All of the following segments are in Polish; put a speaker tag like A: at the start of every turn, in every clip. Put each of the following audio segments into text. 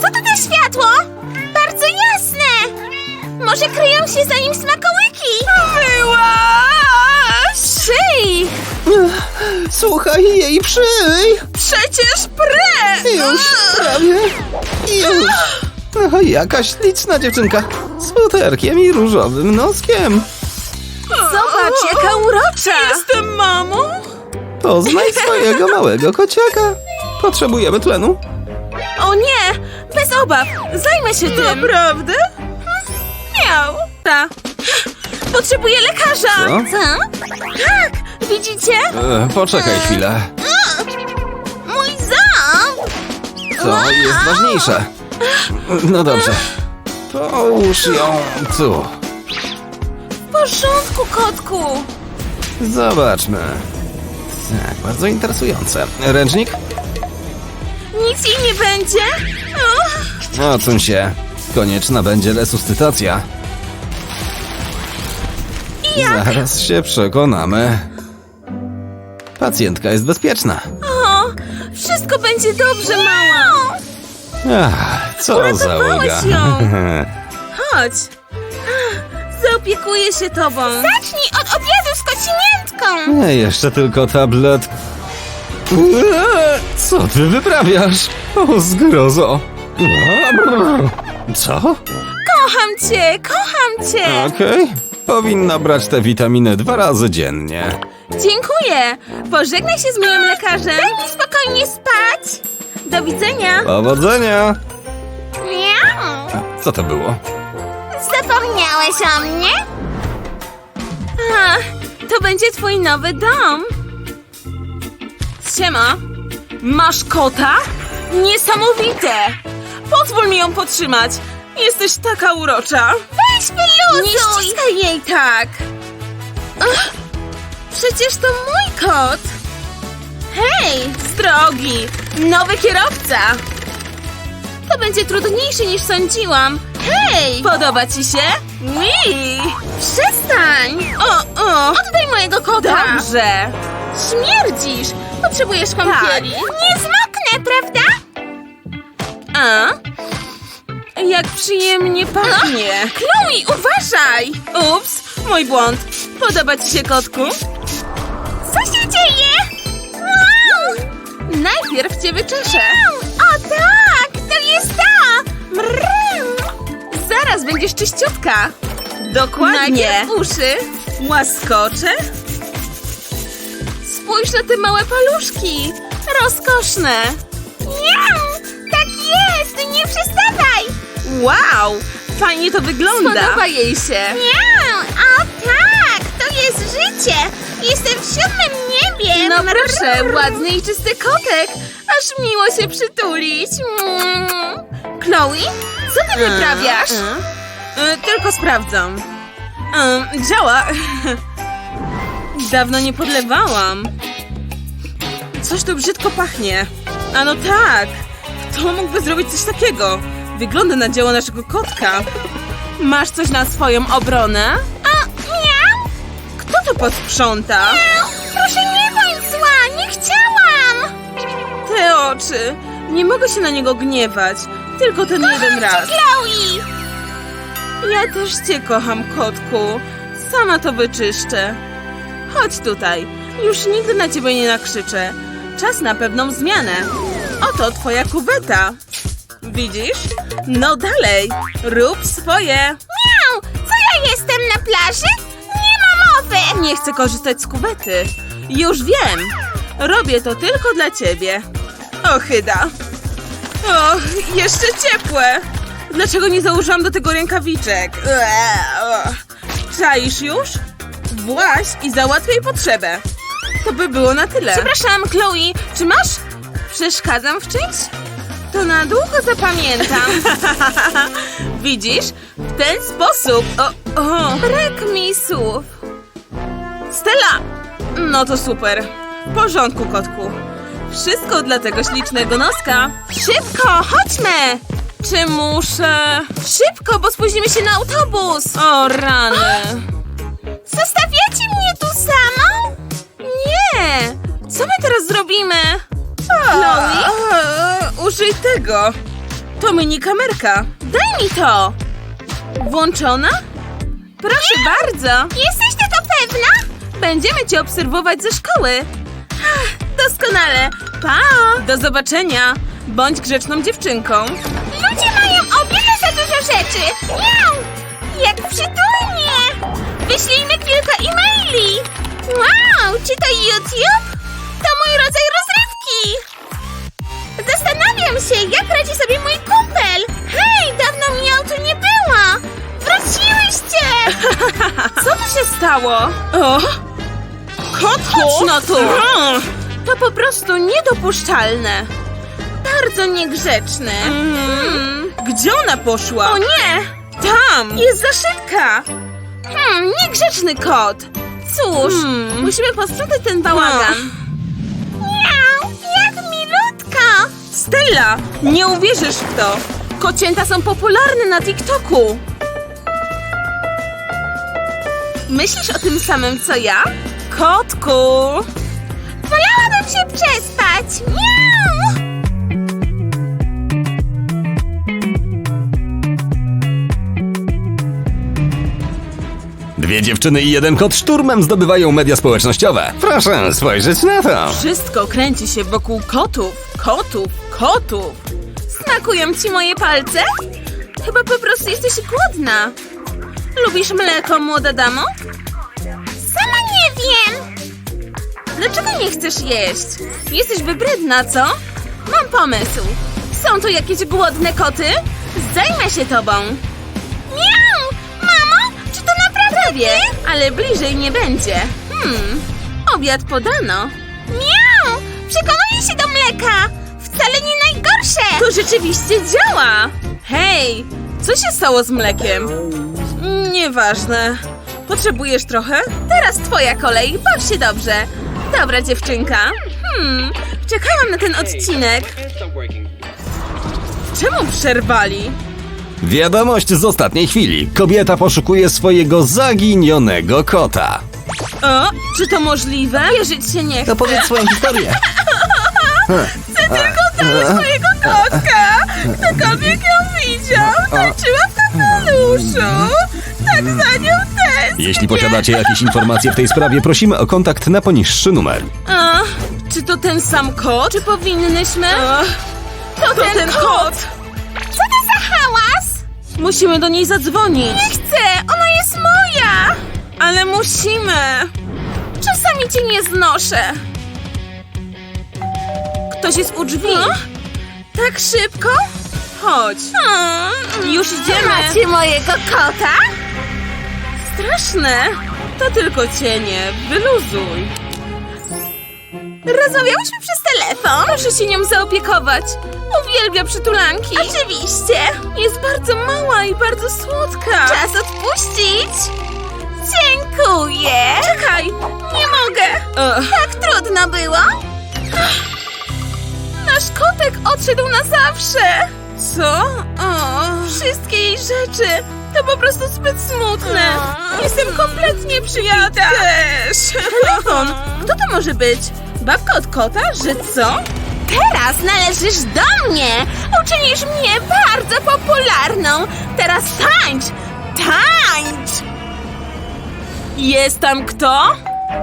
A: Co to za światło? Bardzo jasne! Może kryją się za nim smakołyki?
B: Wyłaź!
A: Szyj!
C: Słuchaj jej, przyj!
B: Przecież pre!
C: Już, prawie. Już. No, jaka śliczna dziewczynka. Z futerkiem i różowym noskiem.
A: Zobacz, jaka urocza!
B: Jestem mamą?
C: Poznaj swojego małego kociaka. Potrzebujemy tlenu.
A: O nie! Bez obaw! Zajmę się tym!
B: Naprawdę?
A: Miał! Potrzebuję lekarza!
C: Co?
A: Tak! Widzicie?
C: Poczekaj chwilę.
A: Mój ząb!
C: Co jest ważniejsze? No dobrze. Połóż ją tu.
A: W porządku, kotku!
C: Zobaczmy. Tak, bardzo interesujące. Ręcznik?
A: Nic jej nie będzie?
C: Odsuń się. Konieczna będzie resuscytacja. Zaraz się przekonamy. Pacjentka jest bezpieczna.
A: O, wszystko będzie dobrze, mała!
C: Ach, co za
A: Uratowałeś
C: ulga.
A: ją. Chodź! Zaopiekuję się tobą! Zacznij od obiadu z kocimiętką!
C: Nie, jeszcze tylko tablet. Co ty wyprawiasz? O, zgrozo. Co?
A: Kocham cię, kocham cię!
C: Okej. Powinna brać te witaminy 2 razy dziennie.
A: Dziękuję! Pożegnaj się z moim lekarzem! Daj mi spokojnie spać! Do widzenia!
C: Powodzenia!
A: Miau!
C: Co to było?
A: Zapomniałeś o mnie? A, to będzie twój nowy dom. Siema. Masz kota? Niesamowite! Pozwól mi ją podtrzymać. Jesteś taka urocza. Weź wyluzuj! Nie ściskaj jej tak. Ach, przecież to mój kot. Hej, z drogi. Nowy kierowca. To będzie trudniejsze niż sądziłam. Hej! Podoba ci się? Mi! Przestań! O! Oddaj mojego kota! Dobrze! Śmierdzisz! Potrzebujesz kąpieli. Nie zmoknę, prawda? A? Jak przyjemnie pachnie. Chloe, uważaj! Ups, mój błąd. Podoba ci się, kotku? Co się dzieje? Najpierw cię wyczeszę. O tak, to jest to! Zaraz będziesz czyściutka. Dokładnie. Najpierw uszy. Łaskocze. Spójrz na te małe paluszki. Rozkoszne. Miau, tak jest, nie przestawaj. Wow, fajnie to wygląda. Podoba jej się. Miau, o tak, to jest życie. Jestem w 7. niebie. No proszę, ładny i czysty kotek. Aż miło się przytulić. Chloe, co ty wyprawiasz? Tylko sprawdzam. Działa. Dawno nie podlewałam. Coś tu brzydko pachnie. A no tak. Kto mógłby zrobić coś takiego? Wygląda na dzieło naszego kotka. Masz coś na swoją obronę? Miau. Kto to posprząta? Miau. Proszę nie bądź zła, nie chciałam. Te oczy. Nie mogę się na niego gniewać. Tylko ten jeden raz. Chloe. Ja też cię kocham, kotku. Sama to wyczyszczę. Chodź tutaj. Już nigdy na ciebie nie nakrzyczę. Czas na pewną zmianę. Oto twoja kuweta. Widzisz? No dalej. Rób swoje. Miau! Co ja jestem na plaży? Nie ma mowy! Nie chcę korzystać z kuwety. Już wiem. Robię to tylko dla ciebie. Ochyda. O, jeszcze ciepłe. Dlaczego nie założyłam do tego rękawiczek? Czaisz już? Właź i załatwiaj potrzebę. To by było na tyle. Przepraszam, Chloe, czy masz? Przeszkadzam w czymś? To na długo zapamiętam. Widzisz? W ten sposób... Brak mi słów. Stella! No to super. W porządku, kotku. Wszystko dla tego ślicznego noska. Szybko, chodźmy! Czy muszę... Szybko, bo spóźnimy się na autobus. O, rany. Zostawiacie mnie tu samą? Nie! Co my teraz zrobimy? Chloe? Użyj tego. To mini kamerka. Daj mi to. Włączona? Proszę bardzo.
B: Jesteś tego pewna?
A: Będziemy cię obserwować ze szkoły. Doskonale. Pa! Do zobaczenia. Bądź grzeczną dziewczynką.
B: Ludzie mają o wiele za dużo rzeczy. Miau! Jak przytulnie! Wyślijmy kilka e-maili. Wow, czy to YouTube? To mój rodzaj rozrywki. Zastanawiam się, jak radzi sobie mój kumpel. Hej, dawno mnie tu nie było. Wróciłyście!
A: Co tu się stało? O! Kotku! Chodź no tu! To po prostu niedopuszczalne. Bardzo niegrzeczne. Gdzie ona poszła? O nie! Tam! Jest za szybka! Niegrzeczny kot! Cóż, musimy posprzątać ten bałagan.
B: Miau, jak milutko.
A: Stella, nie uwierzysz w to! Kocięta są popularne na TikToku. Myślisz o tym samym, co ja? Kotku!
B: Wolałabym się przespać. Miau!
C: Dwie dziewczyny i jeden kot szturmem zdobywają media społecznościowe. Proszę spojrzeć na to.
A: Wszystko kręci się wokół kotów, kotów, kotów. Smakują ci moje palce? Chyba po prostu jesteś głodna. Lubisz mleko, młoda damo?
B: Sama nie wiem.
A: Dlaczego nie chcesz jeść? Jesteś wybredna, co? Mam pomysł. Są tu jakieś głodne koty? Zajmę się tobą.
B: Miau! Mamo, czy to naprawdę
A: Prawie, ale bliżej nie będzie. Obiad podano.
B: Miau! Przekonuję się do mleka. Wcale nie najgorsze.
A: To rzeczywiście działa! Hej, co się stało z mlekiem? Nieważne. Potrzebujesz trochę? Teraz twoja kolej, baw się dobrze. Dobra dziewczynka. Czekałam na ten odcinek. Czemu przerwali?
C: Wiadomość z ostatniej chwili. Kobieta poszukuje swojego zaginionego kota.
A: O, czy to możliwe? Wierzyć się nie chcę.
C: Opowiedz swoją historię.
A: Mojego kotka! Ktokolwiek ją widział, tańczyła w kapeluszu. Tak za nią też.
C: Jeśli posiadacie jakieś informacje w tej sprawie, prosimy o kontakt na poniższy numer.
A: Czy to ten sam kot? Czy powinnyśmy? To ten kot!
B: Co to za hałas?
A: Musimy do niej zadzwonić.
B: Nie chcę, ona jest moja.
A: Ale musimy. Czasami cię nie znoszę. Ktoś jest u drzwi. Tak szybko? Chodź. Już idziemy.
B: Macie mojego kota?
A: Straszne. To tylko cienie. Wyluzuj.
B: Rozmawiałyśmy przez telefon.
A: Proszę się nią zaopiekować. Uwielbia przytulanki.
B: Oczywiście.
A: Jest bardzo mała i bardzo słodka.
B: Czas odpuścić. Dziękuję.
A: Czekaj, nie mogę.
B: Tak trudno było.
A: Nasz kotek odszedł na zawsze. Co? Wszystkie jej rzeczy. To po prostu zbyt smutne. Jestem kompletnie przyjęta. Ja też. Telefon. Kto to może być? Babka od kota? Że co?
B: Teraz należysz do mnie. Uczynisz mnie bardzo popularną. Teraz tańcz. Tańcz.
A: Jest tam kto?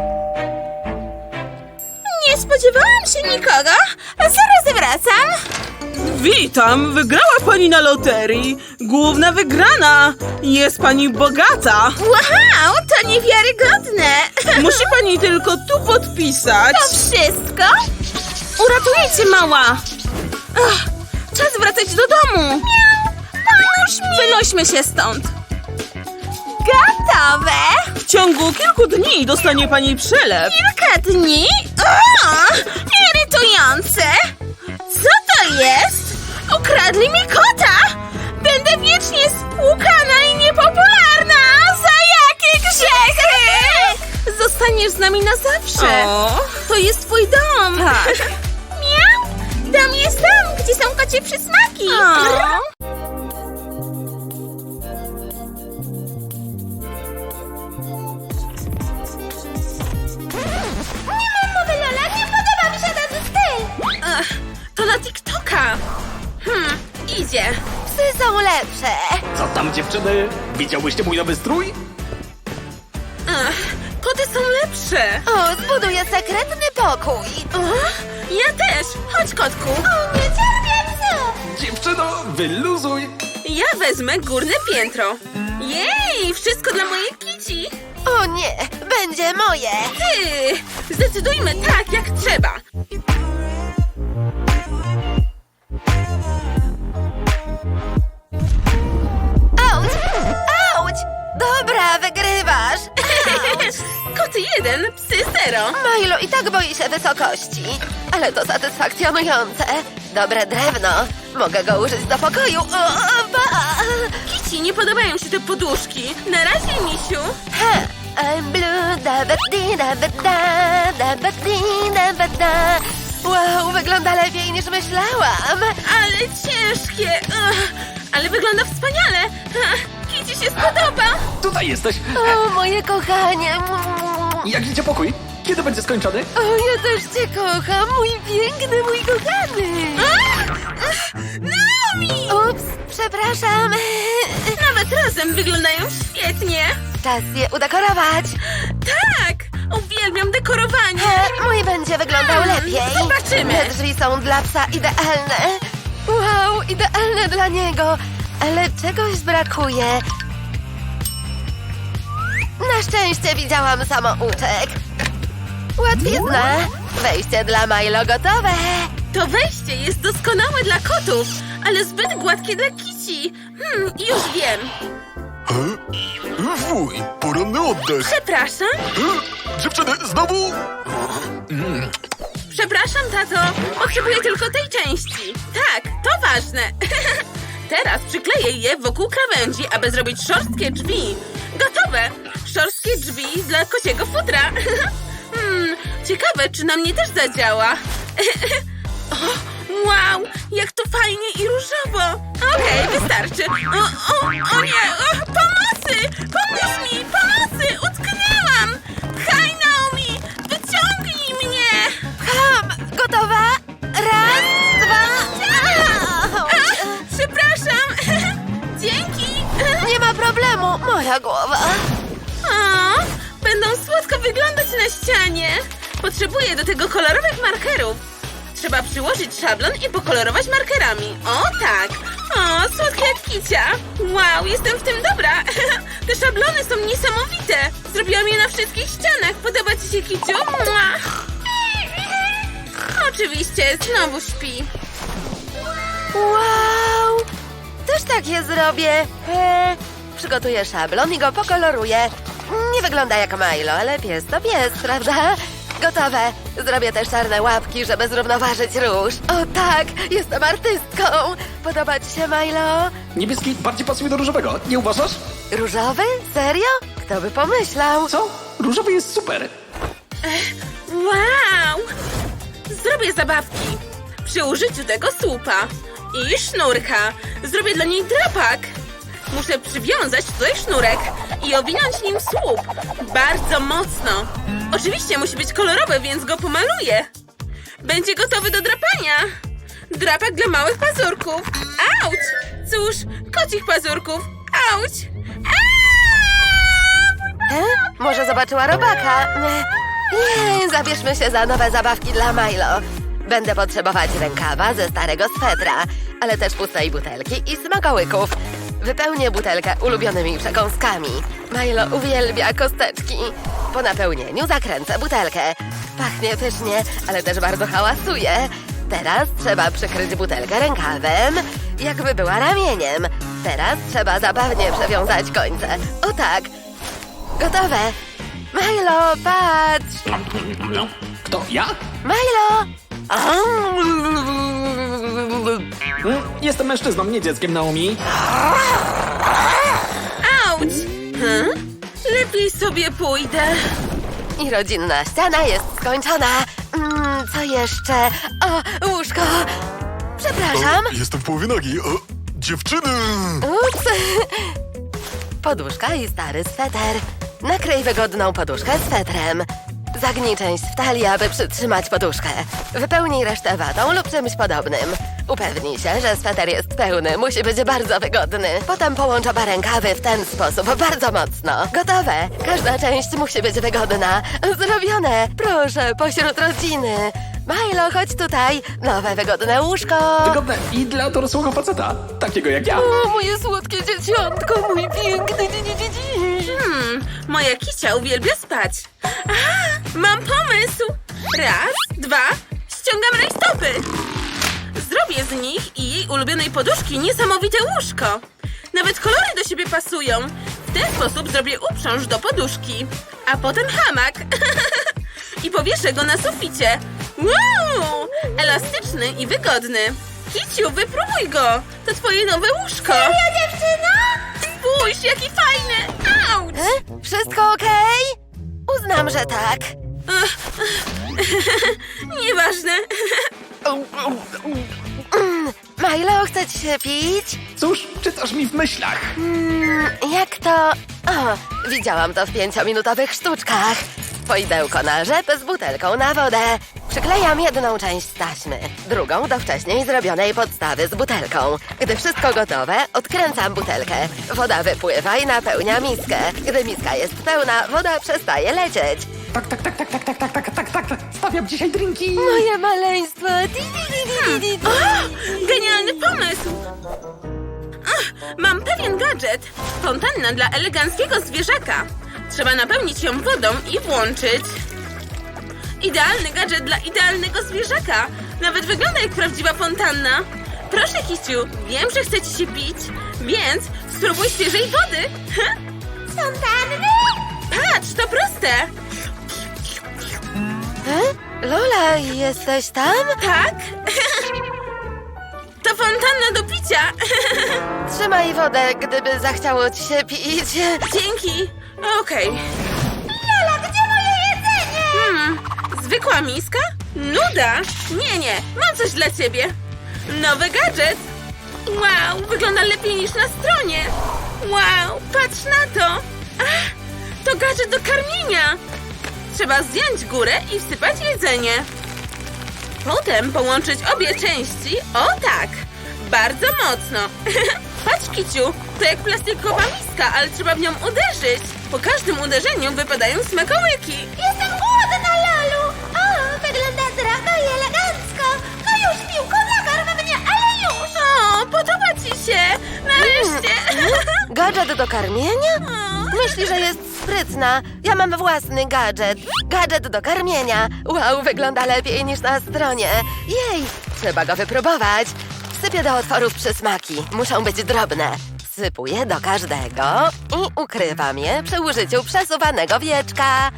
B: Nie spodziewałam się nikogo. Zaraz wracam.
A: Witam, wygrała pani na loterii. Główna wygrana. Jest pani bogata.
B: Wow, to niewiarygodne.
A: Musi pani tylko tu podpisać.
B: To wszystko?
A: Uratuję cię, mała. Czas wracać do domu.
B: Pomóż mi.
A: Wynośmy się stąd.
B: Gotowe.
A: W ciągu kilku dni dostanie pani przelew.
B: Kilka dni? O, irytujące. Co to jest? Ukradli mi kota. Będę wiecznie spłukana i niepopularna. Za jakie grzechy?
A: Zostaniesz z nami na zawsze. To jest twój dom. Tak.
B: Miau. Dom jest tam, gdzie są kocie przysmaki. Nie mam mowy, Lola. Nie podoba mi się ten styl.
A: To na TikToka. idzie.
B: Psy są lepsze.
D: Co tam, dziewczyny? Widziałyście mój nowy strój?
A: Ach, koty są lepsze.
B: O, zbuduję sekretny pokój.
A: O, ja też. Chodź, kotku.
B: O, nie cierpię psów.
D: Dziewczyno, wyluzuj!
A: Ja wezmę górne piętro. Jej, wszystko dla mojej kici.
B: O nie, będzie moje.
A: Ty, zdecydujmy tak, jak trzeba.
B: Auć! Auć! Dobra, wygrywasz.
A: Koty 1, psy 0.
B: Milo i tak boi się wysokości. Ale to satysfakcjonujące. Dobre drewno. Mogę go użyć do pokoju.
A: Kici, nie podobają się te poduszki. Na razie, misiu.
B: Ha! I'm blue, da ba di da ba da, da ba di da ba da. Wow, wygląda lepiej niż myślałam.
A: Ale ciężkie. Ugh, ale wygląda wspaniale. Kici się spodoba.
D: Tutaj jesteś!
B: O, moje kochanie.
D: Jak idzie pokój? Kiedy będzie skończony?
B: O, ja też cię kocham, mój piękny, mój kochany.
A: Naomi!
B: Ups, przepraszam.
A: Nawet razem wyglądają świetnie.
B: Czas je udekorować.
A: Tak, uwielbiam dekorowanie.
B: Mój będzie wyglądał lepiej.
A: Zobaczymy.
B: Te drzwi są dla psa idealne. Wow, idealne dla niego. Ale czegoś brakuje. Na szczęście widziałam samouczek. Łatwizna. Wejście dla Milo gotowe.
A: To wejście jest doskonałe dla kotów, ale zbyt gładkie dla kici. Już wiem.
E: Wuj, poranny oddech.
A: Przepraszam.
E: Dziewczyny, znowu?
A: Przepraszam, tato. Potrzebuję tylko tej części. Tak, to ważne. Teraz przykleję je wokół krawędzi, aby zrobić szorstkie drzwi. Gotowe! Szorstkie drzwi dla kociego futra. Ciekawe, czy na mnie też zadziała. O, wow, jak to fajnie i różowo. Okej, wystarczy. O nie, pomocy! Pomóż mi, pomocy! Utknęłam! Pchaj, Naomi! Wyciągnij mnie!
B: Ham, gotowa? Raz, dwa.
A: Przepraszam! Dzięki!
B: Nie ma problemu, moja głowa.
A: O, będą słodko wyglądać na ścianie. Potrzebuję do tego kolorowych markerów. Trzeba przyłożyć szablon i pokolorować markerami. O tak! O, słodka jak kicia! Wow, jestem w tym dobra! Te szablony są niesamowite! Zrobiłam je na wszystkich ścianach. Podoba ci się, kiciu? Mua. Oczywiście, znowu śpi.
B: Wow! Też tak je zrobię. Przygotuję szablon i go pokoloruję. Nie wygląda jak Milo, ale pies to pies, prawda? Gotowe. Zrobię też czarne łapki, żeby zrównoważyć róż. O tak, jestem artystką. Podoba ci się, Milo?
D: Niebieski bardziej pasuje do różowego, nie uważasz?
B: Różowy? Serio? Kto by pomyślał?
D: Co? Różowy jest super!
A: Wow! Zrobię zabawki. Przy użyciu tego słupa i sznurka zrobię dla niej drapak. Muszę przywiązać tutaj sznurek i owinąć nim słup. Bardzo mocno. Oczywiście musi być kolorowy, więc go pomaluję. Będzie gotowy do drapania. Drapak dla małych pazurków. Auć! Cóż, kocich pazurków. Auć!
B: Może zobaczyła robaka? Nie, zabierzmy się za nowe zabawki dla Milo. Będę potrzebować rękawa ze starego swetra, ale też pustej butelki i smakołyków. Wypełnię butelkę ulubionymi przekąskami. Milo uwielbia kosteczki. Po napełnieniu zakręcę butelkę. Pachnie pysznie, ale też bardzo hałasuje. Teraz trzeba przykryć butelkę rękawem, jakby była ramieniem. Teraz trzeba zabawnie przewiązać końce. O tak. Gotowe. Milo, patrz.
D: Kto, ja?
B: Milo!
D: Jestem mężczyzną, nie dzieckiem, Naomi.
A: Auć! Lepiej sobie pójdę.
B: I rodzinna ściana jest skończona. Co jeszcze? O, łóżko. Przepraszam.
E: Jestem w połowie nogi. Dziewczyny!
B: Ups. Poduszka i stary sweter. Nakryj wygodną poduszkę swetrem.
F: Zagnij część w talii, aby przytrzymać poduszkę. Wypełnij resztę watą lub czymś podobnym. Upewnij się, że sweter jest pełny. Musi być bardzo wygodny. Potem połącz oba rękawy w ten sposób, bardzo mocno. Gotowe. Każda część musi być wygodna. Zrobione. Proszę, pośród rodziny. Milo, chodź tutaj. Nowe, wygodne łóżko.
D: Wygodne i dla dorosłego faceta, takiego jak ja.
F: O, moje słodkie dzieciątko, mój piękny
A: Moja Kicia uwielbia spać. Aha, mam pomysł. Raz, dwa, ściągam rajstopy. Zrobię z nich i jej ulubionej poduszki niesamowite łóżko. Nawet kolory do siebie pasują. W ten sposób zrobię uprząż do poduszki. A potem hamak. I powieszę go na suficie. Wow! Elastyczny i wygodny. Kiciu, wypróbuj go. To twoje nowe łóżko.
B: Serio, dziewczyno?
A: Spójrz, jaki fajny. Auć!
F: Wszystko okej? Uznam, że tak.
A: Nieważne.
F: Milo, chce ci się pić?
D: Cóż, czytasz mi w myślach.
F: Jak to... O, widziałam to w 5-minutowych sztuczkach. Poidełko na rzep z butelką na wodę. Przyklejam jedną część taśmy, drugą do wcześniej zrobionej podstawy z butelką. Gdy wszystko gotowe, odkręcam butelkę. Woda wypływa i napełnia miskę. Gdy miska jest pełna, woda przestaje lecieć.
D: Tak. Stawiam dzisiaj drinki.
F: Moje maleństwo!
A: Genialny pomysł! Mam pewien gadżet. Fontanna dla eleganckiego zwierzaka. Trzeba napełnić ją wodą i włączyć. Idealny gadżet dla idealnego zwierzaka. Nawet wygląda jak prawdziwa fontanna. Proszę, Kiciu, wiem, że chce ci się pić, więc spróbuj świeżej wody.
B: Fontanny?
A: Patrz, to proste.
F: Lola, jesteś tam?
A: Tak? To fontanna do picia.
F: Trzymaj wodę, gdyby zachciało ci się pić.
A: Dzięki. Okej.
B: Lola, gdzie moje jedzenie?
A: Zwykła miska? Nuda? Nie, mam coś dla ciebie. Nowy gadżet. Wow, wygląda lepiej niż na stronie. Wow, patrz na to. Ach, to gadżet do karmienia. Trzeba zdjąć górę i wsypać jedzenie. Potem połączyć obie części, o tak, bardzo mocno. Patrz, Kiciu, to jak plastikowa miska, ale trzeba w nią uderzyć. Po każdym uderzeniu wypadają smakołyki.
B: Jestem głodna, Lolu. O, wygląda zdrowo i elegancko. No już, piłko, nakarm mnie, ale już.
A: O, podoba ci się! Nareszcie!
F: Gadżet do karmienia? Myśli, że jest sprytna. Ja mam własny gadżet. Gadżet do karmienia. Wow, wygląda lepiej niż na stronie. Jej, trzeba go wypróbować. Sypię do otworów przysmaki. Muszą być drobne. Sypuję do każdego i ukrywam je przy użyciu przesuwanego wieczka.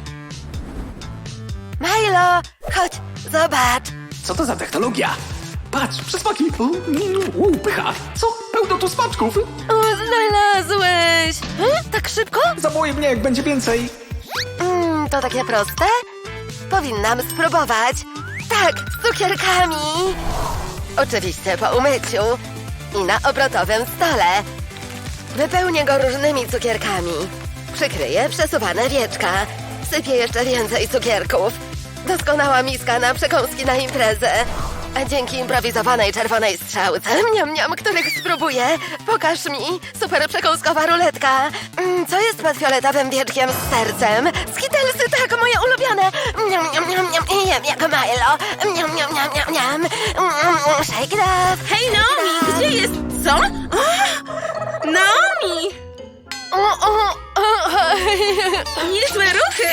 F: Milo, chodź, zobacz.
D: Co to za technologia? Patrz, przysmaki. Pycha. Co? Pełno tu smaczków.
F: Znalazłeś! Tak szybko?
D: Zawołaj mnie, jak będzie więcej.
F: To takie proste? Powinnam spróbować. Tak, z cukierkami. Oczywiście po umyciu. I na obrotowym stole. Wypełnię go różnymi cukierkami. Przykryję przesuwane wieczka. Sypię jeszcze więcej cukierków. Doskonała miska na przekąski na imprezę. A dzięki improwizowanej czerwonej strzałce, których spróbuję, pokaż mi, super przekąskowa ruletka. Co jest pod fioletowym wieczkiem z sercem? Skittlesy, tak, moje ulubione. Jem jak Milo. Shake it up.
A: Hej, Naomi, gdzie jest... Co? O, Naomi! Niezłe ruchy!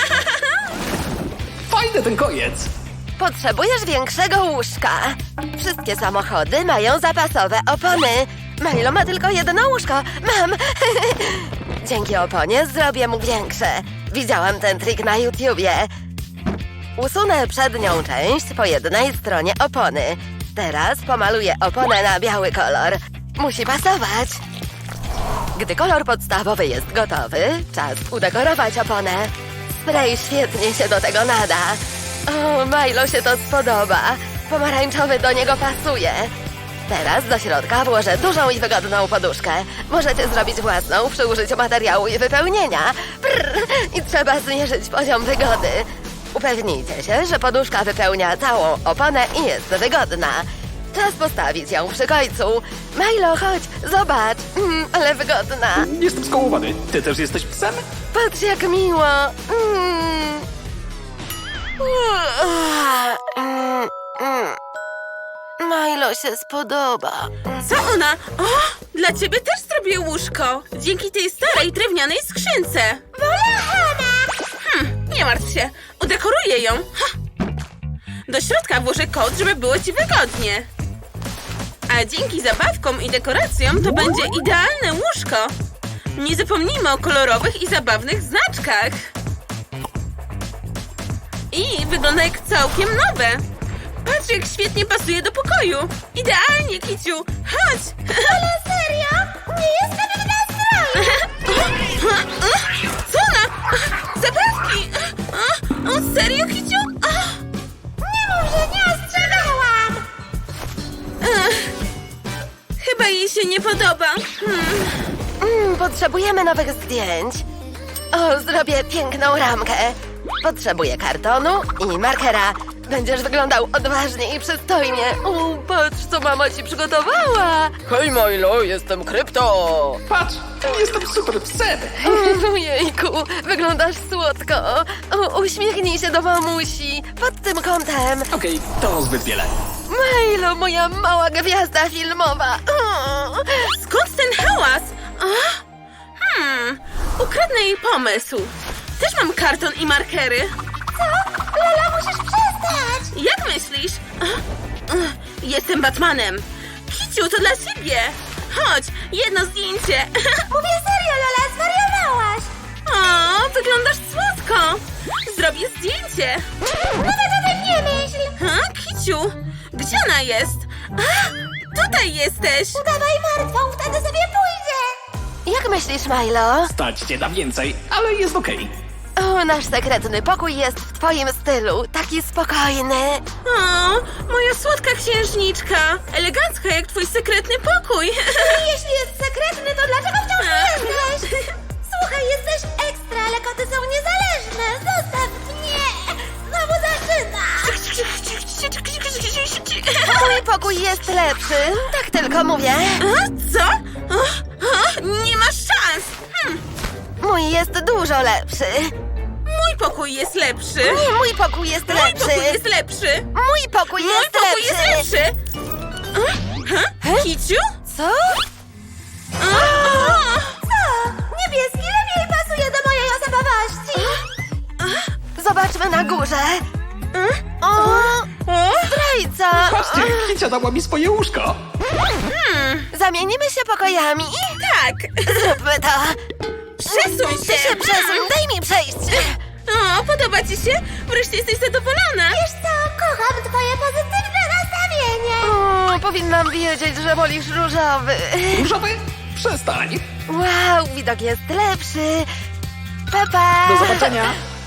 D: Fajny ten koniec.
F: Potrzebujesz większego łóżka. Wszystkie samochody mają zapasowe opony. Milo ma tylko jedno łóżko. Mam. Dzięki oponie zrobię mu większe. Widziałam ten trik na YouTubie. Usunę przednią część po jednej stronie opony. Teraz pomaluję oponę na biały kolor. Musi pasować. Gdy kolor podstawowy jest gotowy, czas udekorować oponę. Spray świetnie się do tego nada. O, Milo się to spodoba. Pomarańczowy do niego pasuje. Teraz do środka włożę dużą i wygodną poduszkę. Możecie zrobić własną przy użyciu materiału i wypełnienia. Brr, i trzeba zmierzyć poziom wygody. Upewnijcie się, że poduszka wypełnia całą oponę i jest wygodna. Czas postawić ją przy końcu. Milo, chodź, zobacz. Ale wygodna.
D: Jestem skołowany. Ty też jesteś psem?
F: Patrz, jak miło. Milo się spodoba.
A: Co ona? O, dla ciebie też zrobię łóżko. Dzięki tej starej drewnianej skrzynce. Nie martw się, udekoruję ją. Ha. Do środka włożę kod, żeby było ci wygodnie. A dzięki zabawkom i dekoracjom to będzie idealne łóżko. Nie zapomnijmy o kolorowych i zabawnych znaczkach. I wygląda jak całkiem nowe. Patrz, jak świetnie pasuje do pokoju. Idealnie, Kiciu. Chodź.
B: Ale serio? Nie jestem w nastroju!
A: Co ona? Zabawki. O, serio, Kiciu?
B: Nie mów, że nie ostrzegałam!
A: Chyba jej się nie podoba.
F: Potrzebujemy nowych zdjęć. O, zrobię piękną ramkę. Potrzebuję kartonu i markera. Będziesz wyglądał odważnie i przystojnie. O, patrz, co mama ci przygotowała. Hej, Milo, jestem Krypto.
D: Patrz, jestem super psem.
F: Ojejku, wyglądasz słodko. O, uśmiechnij się do mamusi. Pod tym kątem.
D: Okej, to zbyt wiele.
F: Milo, moja mała gwiazda filmowa. O.
A: Skąd ten hałas? Ukradnę jej pomysł. Też mam karton i markery.
B: Lola, musisz przestać!
A: Jak myślisz? Jestem Batmanem. Kiciu, to dla ciebie. Chodź, jedno zdjęcie.
B: Mówię serio, Lola, zwariowałaś!
A: O, wyglądasz słodko. Zrobię zdjęcie.
B: No to ty nie myśl!
A: Kiciu, gdzie ona jest? Tutaj jesteś.
B: Udawaj martwą, wtedy sobie pójdzie!
F: Jak myślisz, Milo?
D: Stać cię na więcej, ale jest okej.
F: O, nasz sekretny pokój jest w twoim stylu. Taki spokojny.
A: O, moja słodka księżniczka. Elegancka jak twój sekretny pokój.
B: Jeśli jest sekretny, to dlaczego wciąż nie jesteś? Słuchaj, jesteś ekstra, ale koty są niezależne! Zostaw mnie! Znowu zaczyna!
F: Mój pokój jest lepszy. Tak tylko mówię.
A: Co? Nie masz szans.
F: Mój jest dużo lepszy.
A: Mój pokój jest lepszy.
F: Nie, mój pokój jest
A: Mój
F: lepszy.
A: pokój jest lepszy.
F: Mój pokój
A: Mój
F: jest
A: pokój jest
F: lepszy.
A: lepszy. Kiciu?
F: Co?
B: Co? Niebieski lepiej pasuje do mojej osobowości!
F: Zobaczmy na górze. O, zdrajca.
D: Patrzcie, Kicia dała mi swoje łóżko.
F: Zamienimy się pokojami.
A: Tak.
F: Zróbmy to.
A: Przesuń
F: Ty
A: się.
F: się przesuń, daj mi przejść.
A: O, podoba ci się? Wreszcie jesteś zadowolona.
B: Wiesz co, kocham twoje pozytywne nastawienie!
F: O, powinnam wiedzieć, że wolisz różowy.
D: Różowy? Przestań.
F: Wow, widok jest lepszy. Pa, pa.
D: Do zobaczenia.